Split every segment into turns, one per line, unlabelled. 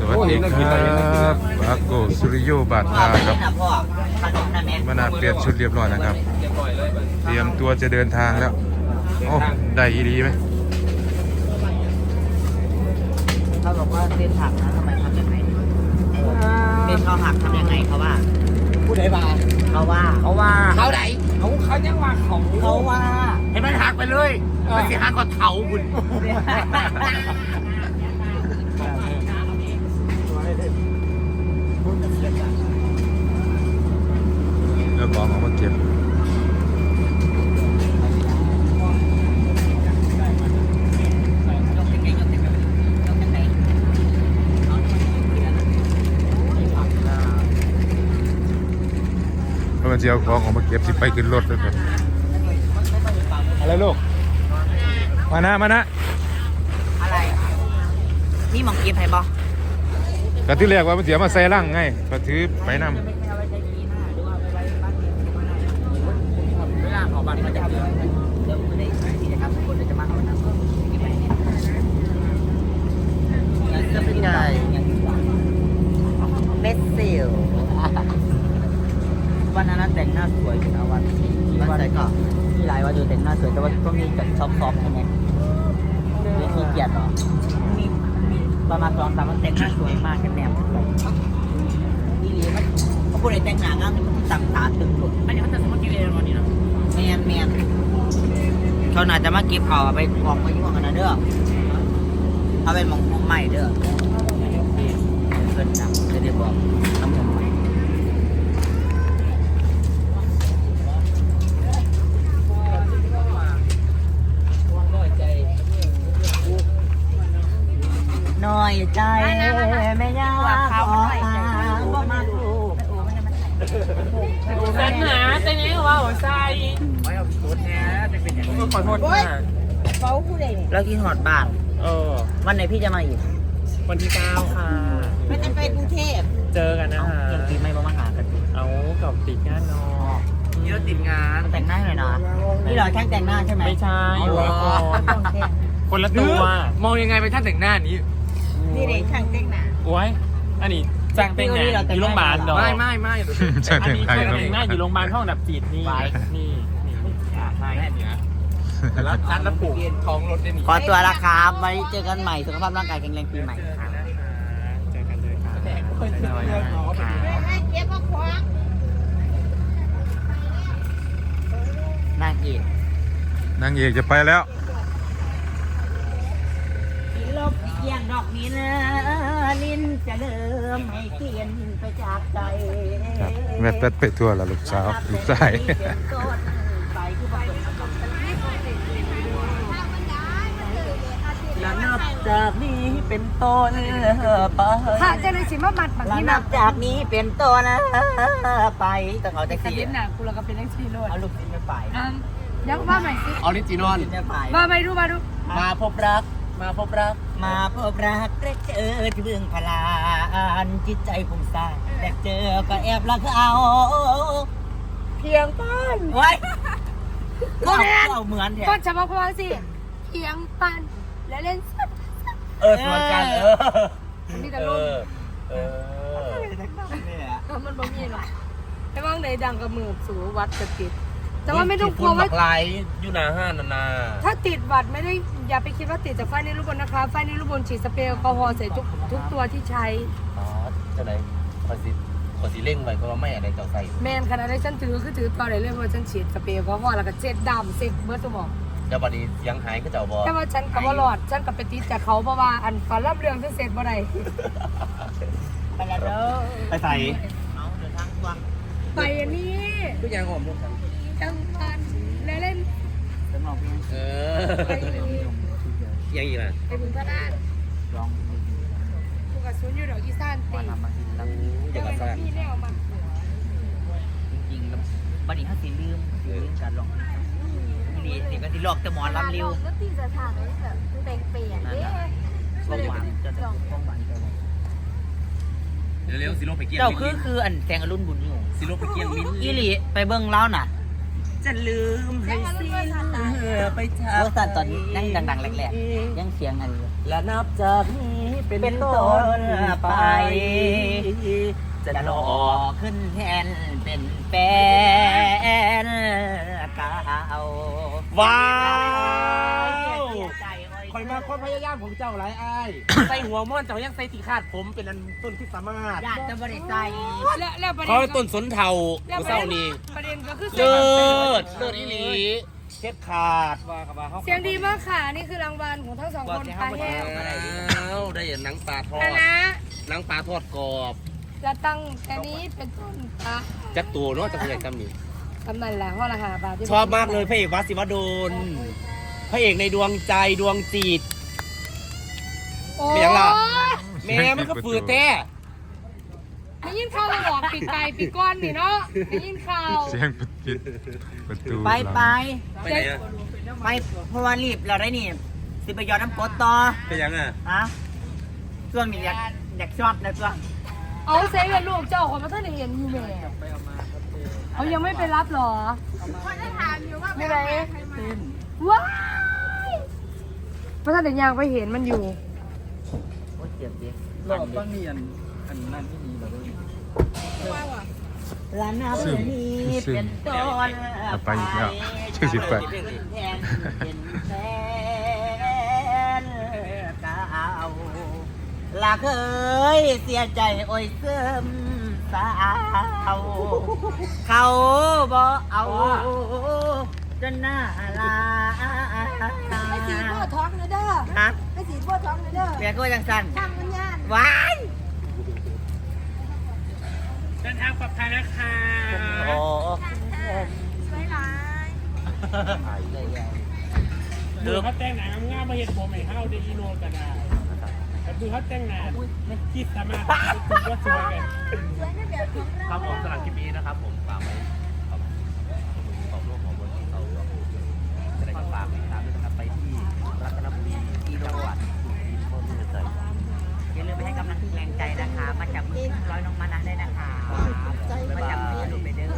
วัสดีครับปาโกสุริโยบาทาครับมานาเปลี่ยนชุดเรียบร้อยนะครับ เตรียมตัวจะเดินทางแล้วโอ้ได้ดีไหม
เขาบอกว่าเส้นหักนะทำไมทำยังไงเส้นเขาหักทำยังไงเขาว่าผู้ใดว่าเขาไหนเขายังว่าเขาว่าให้มันหักไปเลยมันสิหักก็เถาบุญ
เรื่องของมาเก็บมันจะเอาของออกมาเก็บสิไปขึ้นรถด้วยครับอะไรลูกมานะ
อะไรนี่มองเก็บให้บ่
กระที่แรกว่ามันเสียมาใส่ร่างไงกระถือไปนำ
เวลาขอบัตรมาจากเดือนเดี๋ยวไม่ได้กิจกรรมทุกคนจะมาเอาน้ำกินไปเนี่ยจะเป็นไงเมสซิลวันนั้นแต่งหน้าสวยอยู่นะวันไหนก็มีหลายวันอยู่แต่งหน้าสวยแต่ว่าก็มีจัดช็อปใช่ไหมมีขี้เกียจหรอมีประมาณ2-3 วันแต่งหน้าสวยมากแค่แนวนี่เลยมันเขาพูดอะไรแต่งหน้างานมันต่างตาตึงหลุดอันนี้เขาจะสมัครกินเองวันนี้นะแมนเขาน่าจะมาเก็บเขาไปกองไว้ที่ห้องกันนะเด้อเอาไปมองใหม่เด้อเกินจังจะได้บอกน้ำมันน้อยใจไม่ยากขอว่ามาดู
ปัญหาแต่นี้ว่าหัวใจ
ไม่เอาโทษแน่จะเป็นอย่างนี้
ขอโทษค่ะ
เขาพูดเองแล้วกินหอดบ้านวันไหนพี่จะมาอีก
วันที่ 9 ค่ะ
ไม่ได้ไปกรุงเทพ
เจอกันนะคะ
ยังตีไม่มาหากัน
เอากับติดงานนอ
นี่เราติดงานแต่งหน้าหน่อยนะนี่เราแค่แต่งหน้าใช่ไหม
ไม่ใช่อยู่ละครคนละตัวมองยังไงไปท่านแต่งหน้านี้
นี่เด็กช่างแต่งหน้า
โอ้ยอันนี้จ้างแต่งหน้าอยู่โรงพยาบาลดอก
ไม่
อันนี้แต่งหน้าอยู่โรงพยาบาลห้องดับจิตนี่ใช่แล้วนัดแล้วผูกท้องรถได้หนิ
ขอตัวละครับไว้เจอกันใหม่สุขภาพร่างกายแข็งแรงปีใหม่
เจอกันเลยค่ะ
นางเอก
นางเอกจะไปแล้ว
ลบเกียงดอกนี้นะลิ้นจะเริ่มให้เขียนไปจากใจ
แม่เป็ดไปทั่วละลูกสาวลูกชาย
และนับจากนี้เป็นต้นไป
ค่ะเจ้าหน้าที่มาบัดบางที
นับจากนี้เป็นต้นไปต้องเอาแท็ก
แต่
ซี่
เล่นหนักกูเราก็เป็นนักชีโร่
เอาลูกศิษย์ไม่ไป
ยังว่าใหม่สิ
ออริจินอล
ไม่ไป
ว่าไม่รู้มาดู
มาพบรัก
มาพบรักและเจอที่เบื้องพลานจิตใจผมสร้างและเจอก็แอบรักเอา
เพียงปัน
ไว้เอาเหมือนแท้
ก็จะมาพอสิเพียงปันและเล่นสัตว์
สวนกัน
มีแต่ลมมันบ่มีหรอกแต่ว่างในดังกับมือสูวัดจะติดแต่ว่าไม่ต้องกลัวว่า
ไลฟ์อยู่หน้าห้างนา
ถ้าติดวัดไม่ได้อย่าไปคิดว่าติดจากไฟในรูปบนนะคะไฟในรูปบนฉีดสเปรย์แอลกอฮอล์ใส่ทุกตัวที่ใช้
จะไหนขอสิเร่งไว้ก็ไม่อะไรเจ้าใส่
แมนขนาดได้ฉันถือตัวไหนเรื่องว่าฉันฉีดสเปรย์แอลกอฮอล์แล้วก็เจ็ดดำเซ็กเบิร์ตสมอง
เดี๋ยววันนี้ยังหายก็จะเอาบอ
แต่ว่าฉันกับว่าหลอดฉันกับไปติดจากเขาเพราะว่าอันฝันรับเรื่องฉันเสร็จบ่ได้
ไปแล้วเด้อ
ไปใส่
เอาเดินทางกว้าง
ไปอันนี้
ทุกอย่างผมลูก
จังหวัดเล่น
สมองพี่
ไป
ยังอีกล่ะ
ไปบุญพระราช
ร้อง
กูกับซุนอยู่ดอกอีสานตี
อย่างกับซ่า
พี่แนวมา
จริงๆแล้วบัดนี้เขาสิลืมการร้องดีสิก็สิลอกแต่หมอนลำเร็ว
ก็ตีจะทางนี้แบบแต่งเปลี่ยนเด้
ความหวานจะความหวาน
เร็วๆสิโลไปเกี่ยง
เจ้าคืออันแตงอรุณบุญอยู่
สิโลไปเกี่ยงมิ้น
อีหลีไปเบิ่งเล้าน่ะ
จะลืมให้สิ้นไปจาก
เวอร์ชันตอนนั่งดังๆแรกๆยังเสียงอะไรอยู่
และนับจากนี้
เป็นต้นไปจะหล่อขึ้นแทนเป็นแฟนเก่า
ว้าวคอยมาความพยายามของเจ้าหลายอ้ายใส่หัวม่อนเจ้ายังใส่สีขาดผมเป็นอันต้นที่สามารถ
อยากจะบริใจ
แล้วประเด็
เขา
น
ต้นสนเทาเศร้านี่
ประเด็นก็คือ
เลิศอีหลีเช็ดขาด
เสียงดีมากค่ะนี่คือรางวัลของทั้งสองคนปลาแห้ง
ได้หนังปลาทอด
นะนะ
หนังปลาทอดกรอบ
จะตั้งแต่นี้เป็นต้นปลา
จักตัวเนาะจักตัวใหญ่จำนี่
ทำนั่นแหละเพราะราคาปลาที่
ชอบมากเลยพระเอกวัดศิวดลพระเอกในดวงใจดวงจิต
โอ้
เป็นยังล่ะ แม่มันก็ฝืดแท้
ได้ยินข่าวเราบอกปีกไก่ปีกก้อนนี่เนาะได้ยินข่าว
เสียงประตู
ไปไป
ไปไหนอะ
ไปเพราะว่ารีบเราได้นี่สิไปยอดน้ำกรดต่อ
เป็นยังอ่ะ
ฮะช่วงนี้อยากชอบนะช่วง
เอาเซฟลูกเจ้าของมาท่านได้เห็นอยู่แม่เอายังไม่ไปรับหรอไม่ไปว้ายพระท่านเด็กยางไปเห็นมันอยู่
โอ้ยเจ็บดิ
รอบต้องมีอันนั่นที่มีแบบนี้
ร้านน้ำนี้เป็นต้น
เอาไปอีกแล้วชื่อสิไป
เป็นแฟนเก่าลาเคยเสียใจโอ้ยเสื่อมสาวเขาบ่เอาจนหน้าลา
ไม่สีพ่อท้องเลยเด้อ
ฮะ
ไม่สีพ่อท้องเลยเด้อ
เมียก็จังสัน
ทางมันยาน
ว้าย
เดินทางปลอดภัยนะคะ
โอ้
สวยหลาย
ดูเขาแต่งหนังง่ายมาเห็นผมไอ้เฮาได้อีโนกันได้แต่ดูเขาแต่งหนังคิดสามารถคุณก็สวยกันครับผมสำหรับคลิปนี้นะครับผมฝากไว้ขอบร่วมของบนเขาจะได้ฝากติดตามด้วยนะครับไปที่รัตนบุรีที่จังหวัดสุรินทร์คนเมืองใจ
อย่าลืมไปให้กำลังแรงใจนะคะ มาจับมือร้อยน้องมานะได้นะคะ มาจับมือดูไปเด้อ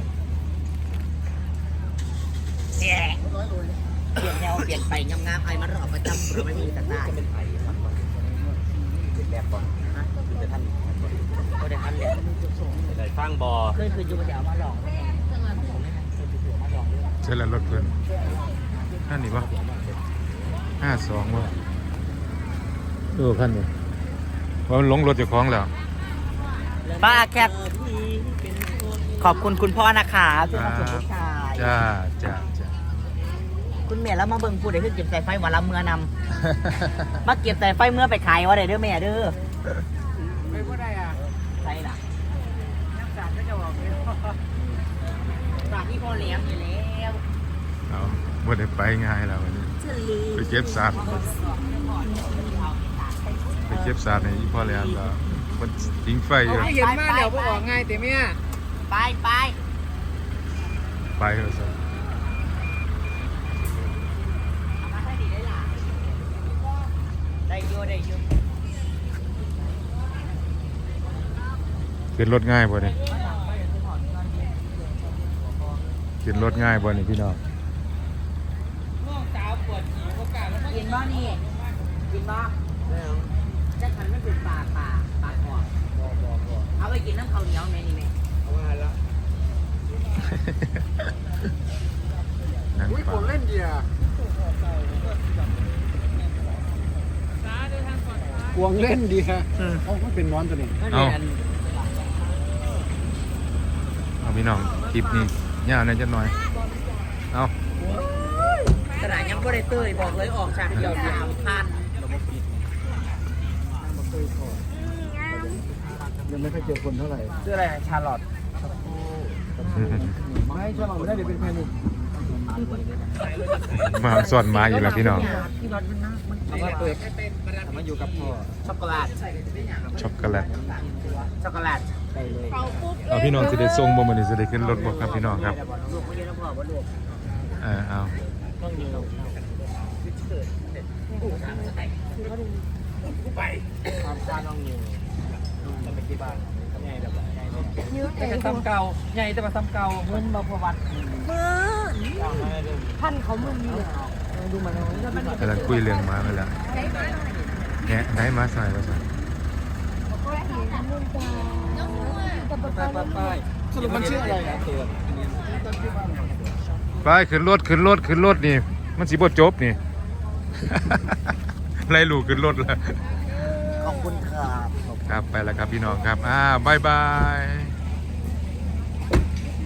เนี่ยเปลี่ยนแนวเปลี่ยนไปงามๆไอ้มันรอบประจำเราไม่มีแต่ได้
เป็นไผ่ครับเป็นแบบก่อนนะคือจะท่าน
ก็ได้ทันเลย
เป็นไรฟางบอ
เคยอยู่มาเดี๋ยวมาลองผมไม่เคยอยู่มาลองด้วย
เจอแล้วรถเพิ่นขั้นนี้ปะ52วะขั้นนี้ว่ามันหลงรถเจ้าของแล้ว
ป้าแคทขอบคุณคุณพ่อนะคะที่มาส่งลูกชาย
จ้า
คุณแม่แล้วมาเบิ่งพูดได้คือเก็บสายไฟวันละเมื่อนำมาเก็บสายไฟเมื่อไปขายวะเด้อแม่เด้อ
ไม่ก็ได้อ่ะ
ใช่ล่ะ
นักการก็จะบอกเลย
ฝากที่พ่อเลี้ยงอยู่แล้ว
เอาบ่ได้ไปง่ายแล้ววันนี้ไปเก็บสัตว์ไปเก็บสัตว์ในอีพ่อแล้วก็มันทิ้งไฟอยู่
เห็นมาเดี๋ยวพวกออกง่ายแต่เมีย
ไปไป
ไปเถอะสัตว์
มาให้ดีได้ล่ะได้อยู่ได้อยู่
ขึ้นรถง่ายบ่เนี่ยขึ้นรถง่ายบ่นี่พี่น้อง
กินบ่นี่กินบ่จะขันไม่เป็นปากก่อนเอาไปกินน้ำข้าวเหนียวแม่นี่แม่
เอามาแล้ว
นั่ง
อุ้ย
ฟั
ผ
ง
มเล่นเดียกวงเล่นดีฮะเขาเป็นน้อนตัวนี้
เอาพี่น้องคลิปนี้ยาวหน่อยจักหน่อยเอา
กระดาษยังบ่ได้เตยบอกเลยออกฉากเดียว3,000
ยังไม่ค่อยเจอคนเท่าไหร่
ชื่ออะไรชาร์ลอต
ไม่ใช่เราไม่ได้เดี๋ยวเป็นแพนิค
มาสอนมาอีกแล้วพี่น้อง
ที่รถมันนะมัน
เอามาเปิดมาอยู่กับพ่อ
ช็อกโกแลต
ช็อกโกแลต
ช็อกโกแลต
ไปเลย
เอาพี่น้องจะได้ส่งบ่มื้อนี้จะได้ขึ้นรถบ่ครับพี่น้องครับ
ลูกไม่เยอะนะพ่อว่าลูก
เอา
ต้องยืนลงไป
ความชาน้องอยู่จะไปที่บ้านใหญ่แบบใหญ่เลย
ยืดเอ
แต่
ง
ซ้ำเก่าใหญ่แต่มาซ้ำเก่า
เงินมาพวัดมือ
พันเขามึนนี่
ดูมัน
กำลังคุยเรื่องมาไปแล้วแกะไหนมาใส่มาใส่
สรุปมันชื่ออะไรนะตัว
ไปขึ้นรถขึ้นรถขึ้นรถนี่ มันสิบ่จบนี่ ไล่ลูกขึ้นรถแล้ว
ขอบคุณครับ
ครับไปแล้วครับพี่น้องครับบ๊ายบาย